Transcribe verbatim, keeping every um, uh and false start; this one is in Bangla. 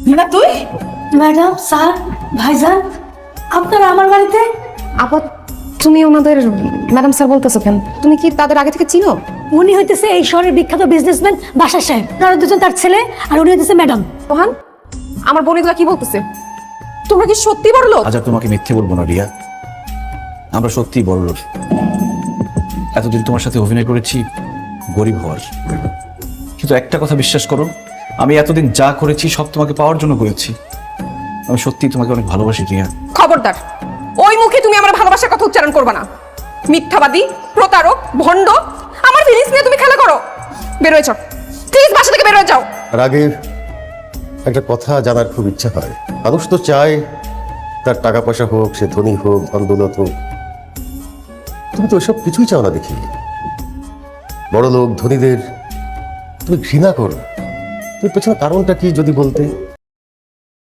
না তুই ম্যাডাম, স্যার, ভাইজান, আপনারা আমার বাড়িতে? আপা তুমি ওনাদের ম্যাডাম স্যার বলতেছো কেন? তুমি কি তাদের আগে থেকে চিনো? উনি হইতেছে এই শহরের বিখ্যাত বিজনেসম্যান বাশার সাহেব, তারা দুজন তার ছেলে, আর উনি হইতেছে ম্যাডাম। রোহান, আমার বোনেগুলা কি বলতেছে? তোমরা কি সত্যি বড় লোক? আজ আর তোমাকে মিথ্যে বলবো না রিয়া, আমরা সত্যিই বড় লোক। এতদিন তোমার সাথে অভিনয় করেছি গরিব হওয়ার, কিন্তু একটা কথা বিশ্বাস করো, আমি এতদিন যা করেছি সব তোমাকে পাওয়ার জন্য করেছি। আমি সত্যিই তোমাকে অনেক ভালোবাসি রিয়া। খবরদার, ওই মুখে তুমি আমার ভালোবাসার কথা উচ্চারণ করবে না। মিথ্যাবাদী, প্রতারক, ভণ্ড, আমার ফিলিংস নিয়ে তুমি খেলা করো। বের হয়ে যাও, প্লিজ বাসা থেকে বের হয়ে যাও। আর আগে একটা কথা জানার খুব ইচ্ছা হয়, মানুষ তো চায় তার টাকা পয়সা হোক, সে ধনী হোক, ধন দৌলত হোক, তুমি তো ওইসব কিছুই চাও না দেখি। বড় লোক ধনীদের তুমি ঘৃণা করো, তুমি পেছনে কারণটা কি যদি বলতে?